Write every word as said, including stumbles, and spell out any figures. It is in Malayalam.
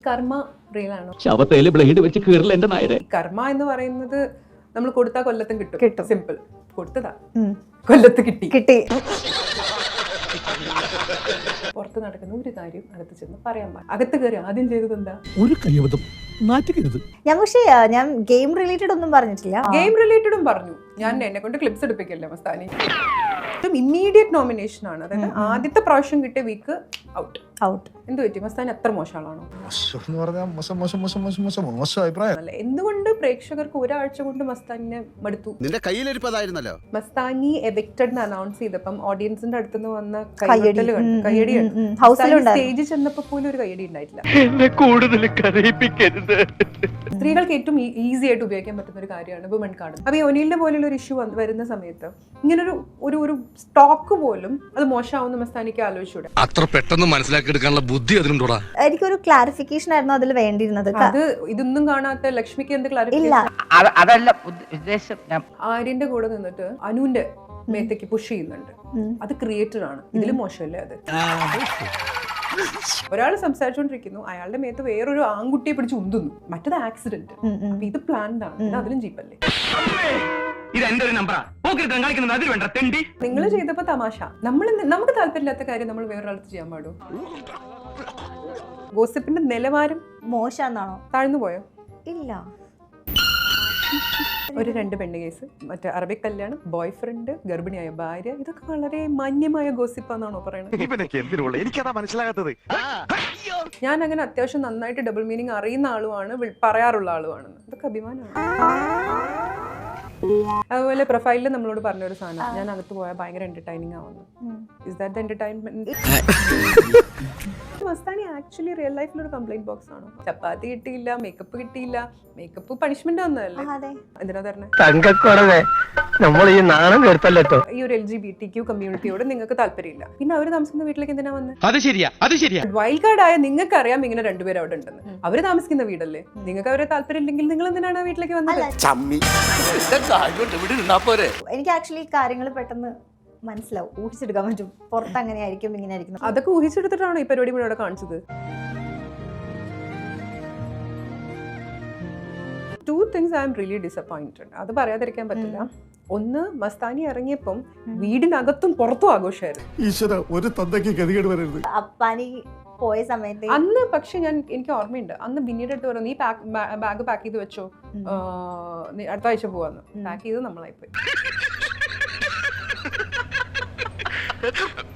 കർമ്മ റിയൽ ആണോ? ശവത്തേല് ബ്ലേഡ് വെച്ച് കീറില്ല എന്റെ നായരെ. കർമ്മ എന്ന് പറയുന്നത് നമ്മൾ കൊടുത്താൽ കൊല്ലത്തും കിട്ടും. കിട്ടും. സിമ്പിൾ. കൊടുത്തതാ, കൊല്ലത്ത് കിട്ടി കിട്ടി. പുറത്ത് നടക്കുന്ന ഒരു കാര്യം അകത്ത് ചെന്ന് പറയാൻ പാടില്ല. അകത്ത് കയറി ആദ്യം ചെയ്തത് എന്താ? ഒരു കയ്യബദ്ധം നാറ്റിക്കരുത്. ഞാൻ പക്ഷേ ഞാൻ ഗെയിം റിലേറ്റഡ് ഒന്നും പറഞ്ഞിട്ടില്ല. ഗെയിം റിലേറ്റഡും പറഞ്ഞു. ഞാൻ എന്നെ കൊണ്ട് ക്ലിപ്സ് എടുപ്പിക്കല്ലേ മസ്താനി. ഇമ്മീഡിയറ്റ് നോമിനേഷൻ ആണ്. അതായത് ആദ്യത്തെ പ്രാവശ്യം കിട്ടിയ വീക്ക് ഔട്ട് ഔട്ട്. എന്ത് പറ്റി? മസ്താനി അത്ര മോശമാണോ? അല്ല, എന്തുകൊണ്ട് പ്രേക്ഷകർക്ക് ഒരാഴ്ച കൊണ്ട് മസ്താനിനെ മടുത്തു? നിന്റെ കയ്യിലിരിപ്പതായിരുന്നല്ലോ. മസ്താനി എവിക്റ്റഡ് അനൗൺസ് ചെയ്തപ്പം ഓഡിയൻസിന്റെ അടുത്തുനിന്ന് വന്ന കയ്യടി. കയ്യടി സ്റ്റേജിൽ ചെന്നപ്പോ പോലും ഒരു കയ്യടി ഉണ്ടായിട്ടില്ല. എന്നെ കൂടുതൽ കരയിപ്പിക്കരുത്. സ്ത്രീകൾക്ക് ഏറ്റവും ഈസി ആയിട്ട് ഉപയോഗിക്കാൻ പറ്റുന്ന ഒരു കാര്യമാണ് വുമൺ കാർഡ്. അപ്പൊ ഈ ഒനീലിന്റെ പോലുള്ള ഒരു ഇഷ്യൂ വരുന്ന സമയത്ത് ഇങ്ങനൊരു ഒരു ഒരു സ്റ്റോക്ക് പോലും അത് മോശമാവുന്ന മസ്താനിക്ക് ആലോചിച്ചൂടെ? അത്ര പെട്ടെന്ന് മനസ്സിലാക്കി എടുക്കാനുള്ള ബുദ്ധി അതിനുണ്ടോടാ? എനിക്കൊരു ക്ലാരിഫിക്കേഷൻ ആയിരുന്നു അതിൽ വേണ്ടിയിരുന്നത്. അത് ഇതൊന്നും കാണാത്ത ലക്ഷ്മിക്ക് എന്ത് ഇല്ല, ക്ലാരിഫിക്കേഷൻ? അതല്ല ഉദ്ദേശം. ആര്യന്റെ കൂടെ നിന്നിട്ട് അനുവിന്റെ മേത്തേക്ക് പുഷ് ചെയ്യുന്നുണ്ട്. അത് ക്രിയേറ്റർ ആണ്. ഇതിലും മോശമല്ലേ അത്? ഒരാൾ സംസാരിച്ചോണ്ടിരിക്കുന്നു, അയാളുടെ മേത്ത് വേറൊരു ആൺകുട്ടിയെ പിടിച്ച് ഉന്തുന്നു. മറ്റത് ആക്സിഡന്റ്. അപ്പൊ ഇത് പ്ലാൻഡ് ആണ്. ഇത് അതിലും ജീപ്പല്ലേ? ഇത് എന്റെ ഒരു നമ്പറാ. അതിൽ വേണ്ട തെണ്ടി. നിങ്ങൾ ചെയ്തപ്പോ തമാശ. നമ്മൾ നമുക്ക് താല്പര്യമില്ലാത്ത കാര്യം നമ്മൾ വേറൊരാൾക്ക് ചെയ്യാൻ പാടും? ഗോസിപ്പിന്റെ നിലവാരം മോശാന്നാണോ? താഴ്ന്നു പോയോ? ഇല്ല. ഒരു രണ്ട് പെണ്ണ് കേസ്, മറ്റേ അറബിക് കല്യാണം, ബോയ് ഫ്രണ്ട്, ഗർഭിണിയായ ഭാര്യ, ഇതൊക്കെ വളരെ മാന്യമായ ഗോസിപ്പാന്നാണോ പറയുന്നത്? എനിക്കതാ മനസ്സിലാകാത്തത്. ഞാൻ അങ്ങനെ അത്യാവശ്യം നന്നായിട്ട് ഡബിൾ മീനിങ് അറിയുന്ന ആളുമാണ്, പറയാറുള്ള ആളുമാണെന്ന്. ഇതൊക്കെ അഭിമാനമാണ്. അതുപോലെ പ്രൊഫൈലിൽ നമ്മളോട് പറഞ്ഞൊരു സാധനം, ഞാൻ അകത്ത് പോയാൽ ഭയങ്കര എന്റർടൈനിങ് ആവുന്നു. Is that the entertainment? Mastani actually real ലൈഫിൽ ഒരു കംപ്ലൈന്റ് ബോക്സ് ആണോ? ചപ്പാത്തി കിട്ടിയില്ല, മേക്കപ്പ് കിട്ടിയില്ല. മേക്കപ്പ് പണിഷ്മെന്റ് വന്നതല്ലേ? എന്തിനാ തരണേ? തങ്കക്കുറവേ, നമ്മൾ ഈ നാണം കേട്ടല്ലോ. ഈ ഒരു L G B T Q കമ്മ്യൂണിറ്റിയോട് നിങ്ങൾക്ക് താല്പര്യമില്ല, പിന്നെ അവര് താമസിക്കുന്ന വീട്ടിലേക്ക് എന്തിനാ വന്നത്? അത് ശരിയാ, അത് ശരിയാ. വൈൽഡ് കാർഡ് ആയ നിങ്ങൾക്ക് അറിയാം ഇങ്ങനെ രണ്ടുപേരും അവിടെ ഉണ്ടെന്ന്. അവര് താമസിക്കുന്ന വീടല്ലേ? നിങ്ങൾക്ക് അവരെ താല്പര്യം ഇല്ലെങ്കിൽ നിങ്ങൾ എന്തിനാണ് ആ വീട്ടിലേക്ക് വന്നത്? എനിക്ക് ആക്ച്വലി കാര്യങ്ങൾ പെട്ടെന്ന് മനസ്സിലാവും, ഊഹിച്ചെടുക്കാൻ പറ്റും. പുറത്ത് അങ്ങനെ ആയിരിക്കും, ഇങ്ങനെ ആയിരിക്കും. അതൊക്കെ ഊഹിച്ചെടുത്തിട്ടാണോ ഈ പരിപാടി മുഴുവൻ കാണിച്ചത്? Two things I'm really disappointed. അത് പറയാതിരിക്കാൻ പറ്റില്ല. ഒന്ന്, മസ്താനി ഇറങ്ങിയപ്പം വീടിനകത്തും പുറത്തും ആഘോഷമായിരുന്നു. ഈശ്വര, ഒരു തന്തയ്ക്ക് ഗതികേട് വരരുത്. അപ്പാനി പോയ സമയത്ത് അന്ന് പക്ഷെ ഞാൻ എനിക്ക് ഓർമ്മയുണ്ട്, അന്ന് ബിന്നീട് അടുത്ത് പറഞ്ഞു, നീ ബാഗ് പാക്ക് ചെയ്ത് വെച്ചോ, അടുത്ത ആഴ്ച പോവാന്ന്. പാക്ക് ചെയ്ത് നമ്മളായിപ്പോയി.